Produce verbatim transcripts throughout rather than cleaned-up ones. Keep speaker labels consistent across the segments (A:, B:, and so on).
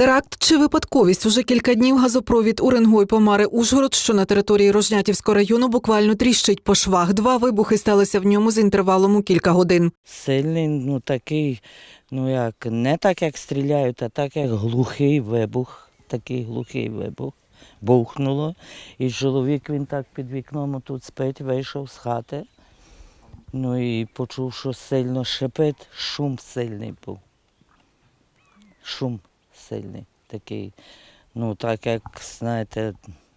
A: Теракт чи випадковість? Уже кілька днів газопровід Уренгой-Помари-Ужгород, що на території Рожнятівського району, буквально тріщить по швах. Два вибухи сталися в ньому з інтервалом у кілька годин.
B: Сильний, ну такий, ну як, не так, як стріляють, а так, як глухий вибух. Такий глухий вибух. Бухнуло. І чоловік, він так під вікном тут спить, вийшов з хати. Ну і почув, що сильно шипить, шум сильний був. Шум сильний такий, ну так як, знаєте,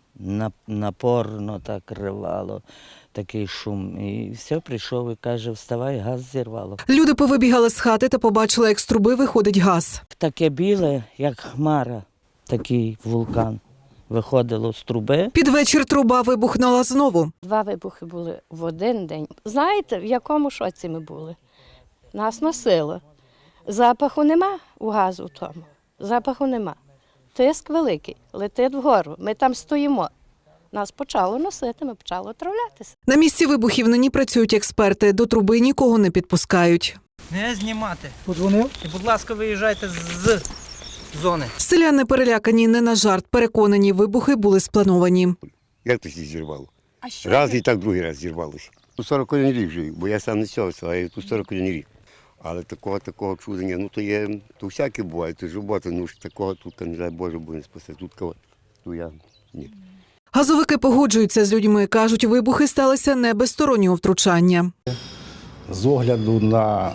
B: напорно так ривало, такий шум. І все, прийшов і каже, вставай, газ зірвало.
A: Люди повибігали з хати та побачили, як з труби виходить газ.
B: Таке біле, як хмара, такий вулкан. Виходило з труби.
A: Під вечір труба вибухнула знову.
C: Два вибухи були в один день. Знаєте, в якому шоці ми були? Нас носило. Запаху нема у газу в тому. Запаху нема. Тиск великий, летить вгору. Ми там стоїмо. Нас почало носити, ми почали отравлятися.
A: На місці вибухів нині працюють експерти. До труби нікого не підпускають.
D: Не знімати. Подзвонив? І, будь ласка, виїжджайте з зони.
A: Селяни перелякані не на жарт. Переконані, вибухи були сплановані.
E: Як то зірвало? Раз і так другий раз зірвалося. Тут сорок один рік живу, бо я сам не з цього села, я тут сорок один рік. Але такого такого чудення, ну то є, то всяке буває, то ж робота, ну ж такого тут, не дай Боже, буде не спасти. Тут кого, то я, ні.
A: Газовики погоджуються з людьми. Кажуть, вибухи сталися не без стороннього втручання.
F: З огляду на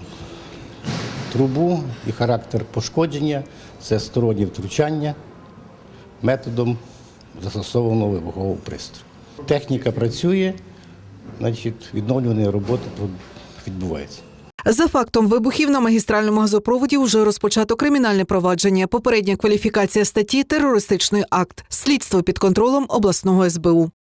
F: трубу і характер пошкодження – це стороннє втручання методом застосованого вибухового пристрою. Техніка працює, значить, відновлювані роботи відбуваються.
A: За фактом вибухів на магістральному газопроводі вже розпочато кримінальне провадження. Попередня кваліфікація статті – терористичний акт. Слідство під контролем обласного ес бе у.